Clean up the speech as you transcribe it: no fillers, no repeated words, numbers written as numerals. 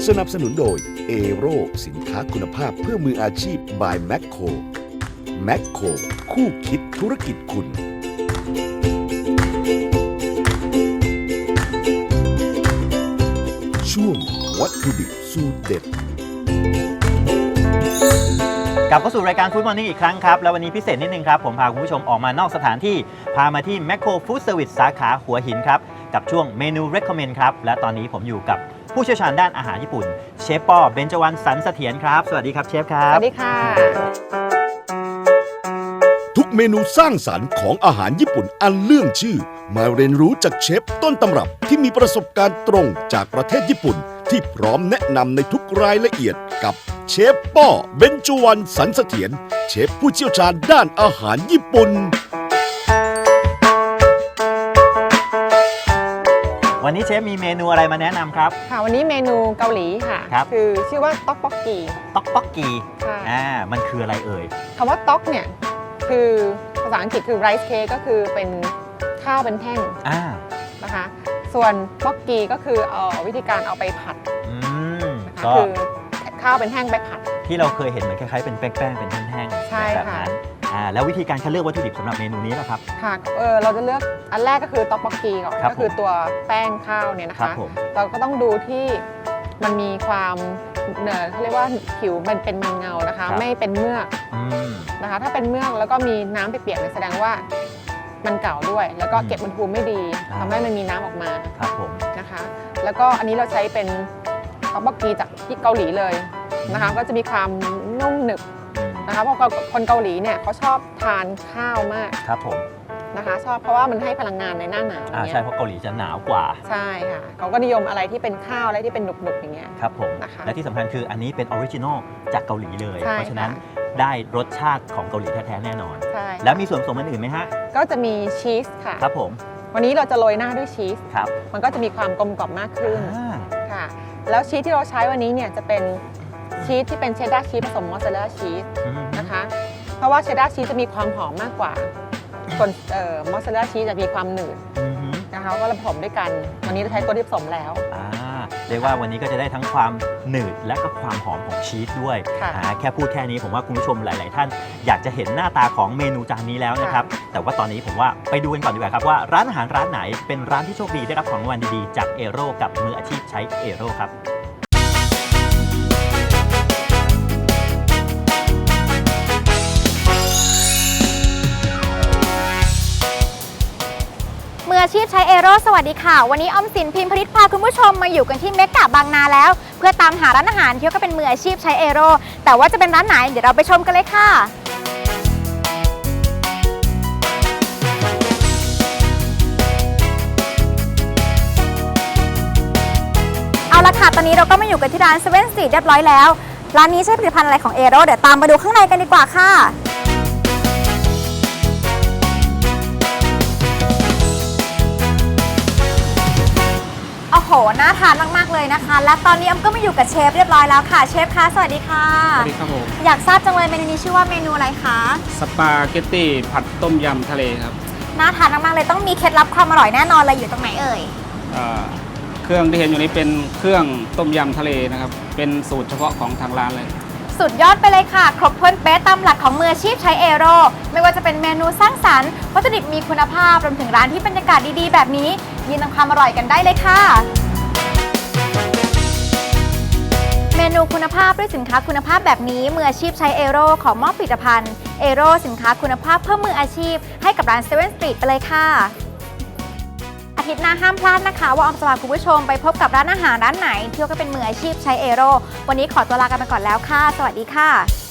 สนับสนุนโดยเอโรสินค้าคุณภาพเพื่อมืออาชีพ by แมคโครแมคโครคู่คิดธุรกิจคุณช่วงวัตถุดิบสูตรเด็ดกลับเข้าสู่รายการฟู้ดมอร์นิ่งอีกครั้งครับแล้ววันนี้พิเศษนิดนึงครับผมพาคุณผู้ชมออกมานอกสถานที่พามาที่แมคโครฟู้ดเซอร์วิสสาขาหัวหินครับกับช่วงเมนู Recommend ครับและตอนนี้ผมอยู่กับผู้เชี่ยวชาญด้านอาหารญี่ปุ่นเชฟป้อเบญจวรรณสันเสถียรครับสวัสดีครับเชฟครับสวัสดีค่ะทุกเมนูสร้างสรรค์ของอาหารญี่ปุ่นอันเรื่องชื่อมาเรียนรู้จากเชฟต้นตำรับที่มีประสบการณ์ตรงจากประเทศญี่ปุ่นที่พร้อมแนะนำในทุกรายละเอียดกับเชฟป้อเบญจวรรณสันเสถียรเชฟผู้เชี่ยวชาญด้านอาหารญี่ปุ่นวันนี้เชฟมีเมนูอะไรมาแนะนำครับค่ะวันนี้เมนูเกาหลีค่ะคือชื่อว่าต๊อกบ็อกกีต๊อกบ็อกกีมันคืออะไรเอ่ยคำว่าต๊อกเนี่ยคือภาษาอังกฤษคือไรซ์เค้กก็คือเป็นข้าวเป็นแท่งนะคะส่วนบ็อกกีก็คือวิธีการเอาไปผัดนะคะคือข้าวเป็นแท่งไปผัดที่เราเคยเห็นเหมือนคล้ายๆเป็นแป้งๆเป็นแท่งๆใช่ค่ะแล้ววิธีการคัดเลือกวัตถุดิบสำหรับเมนูนี้นะครับค่ะเราจะเลือกอันแรกก็คือต๊อกบ็อกกีก่อนก็คือตัวแป้งข้าวเนี่ยนะคะเราก็ต้องดูที่มันมีความเขาเรียกว่าผิวมันเป็นมันเงานะคะไม่เป็นเมือกนะคะถ้าเป็นเมือกแล้วก็มีน้ำเปียกๆแสดงว่ามันเก่าด้วยแล้วก็เก็บอุณหภูมิไม่ดีทำให้มันมีน้ำออกมานะคะแล้วก็อันนี้เราใช้เป็นต๊อกบ็อกกีจากที่เกาหลีเลยนะคะก็จะมีความนุ่มหนึบนะคะเพราะคนเกาหลีเนี่ยเขาชอบทานข้าวมากครับผมนะคะชอบเพราะว่ามันให้พลังงานในหน้าหนาวใช่เพราะเกาหลีจะหนาวกว่าใช่ค่ะเขาก็นิยมอะไรที่เป็นข้าวอะไรที่เป็นหนุบๆอย่างเงี้ยครับผมนะคะและที่สำคัญคืออันนี้เป็นออริจินอลจากเกาหลีเลยเพราะฉะนั้นได้รสชาติของเกาหลีแท้ๆแน่นอนใช่แล้วมีส่วนผสมอื่นไหมฮะก็จะมีชีสค่ะครับผมวันนี้เราจะโรยหน้าด้วยชีสครับมันก็จะมีความกลมกล่อมมากขึ้นค่ะแล้วชีสที่เราใช้วันนี้เนี่ยจะเป็นชีสที่เป็นเชดดาร์ชีสผสมมอสซาเรลล่าชีสนะคะเพราะว่าเชดดาร์ชีสจะมีความหอมมากกว่าส่วนมอสซาเรลล่าชีสจะมีความหนืดนะคะก็ผสมด้วยกันวันนี้เราใช้ตัวที่ผสมแล้วเรียกว่าวันนี้ก็จะได้ทั้งความหนืดและก็ความหอมของชีสด้วยแค่พูดแค่นี้ผมว่าคุณผู้ชมหลายๆท่านอยากจะเห็นหน้าตาของเมนูจานนี้แล้วนะครับแต่ว่าตอนนี้ผมว่าไปดูกันก่อนดีกว่าครับว่าร้านอาหารร้านไหนเป็นร้านที่โชคดีได้รับของรางวัลดีๆจากเอโร่กับมืออาชีพใช้เอโร่ครับมืออาชีพใช้เอโร่สวัสดีค่ะวันนี้ออมสินพิมพ์ผลิตพาคุณผู้ชมมาอยู่กันที่เมกะบางนาแล้วเพื่อตามหาร้านอาหารที่ก็เป็นมืออาชีพใช้เอโร่แต่ว่าจะเป็นร้านไหนเดี๋ยวเราไปชมกันเลยค่ะเอาละค่ะตอนนี้เราก็มาอยู่กันที่ร้านเซเว่นสตรีทเรียบร้อยแล้วร้านนี้ใช้ผลิตภัณฑ์อะไรของเอโร่เดี๋ยวตามมาดูข้างในกันดีกว่าค่ะโอ้โหน่าทานมากๆเลยนะคะและตอนนี้ออมก็มาอยู่กับเชฟเรียบร้อยแล้วค่ะเชฟคะสวัสดีค่ะสวัสดีครับผมอยากทราบจังเลยเมนูนี้ชื่อว่าเมนูอะไรคะสปาเกตตี้ผัดต้มยำทะเลครับน่าทานมากๆเลยต้องมีเคล็ดลับความอร่อยแน่นอนเลยอยู่ตรงไหนเอ่ยเครื่องที่เห็นอยู่นี้เป็นเครื่องต้มยำทะเลนะครับเป็นสูตรเฉพาะของทางร้านเลยสุดยอดไปเลยค่ะครบถ้วนเป๊ะตามหลักของมืออาชีพใช้เอโร่ไม่ว่าจะเป็นเมนูสร้างสรรค์วัตถุดิบมีคุณภาพรวมถึงร้านที่บรรยากาศดีๆแบบนี้ยืนนำความอร่อยกันได้เลยค่ะเมนูคุณภาพด้วยสินค้าคุณภาพแบบนี้มืออาชีพใช้เอโร่ขอมอบผลิตภัณฑ์เอโร่สินค้าคุณภาพเพื่อมืออาชีพให้กับร้านเซเว่นสตรีทไปเลยค่ะอาทิตย์หน้าห้ามพลาดนะคะว่าออมจะพาคุณผู้ชมไปพบกับร้านอาหารร้านไหนที่ก็เป็นมืออาชีพใช้เอโร่วันนี้ขอตัวลากันไปก่อนแล้วค่ะสวัสดีค่ะ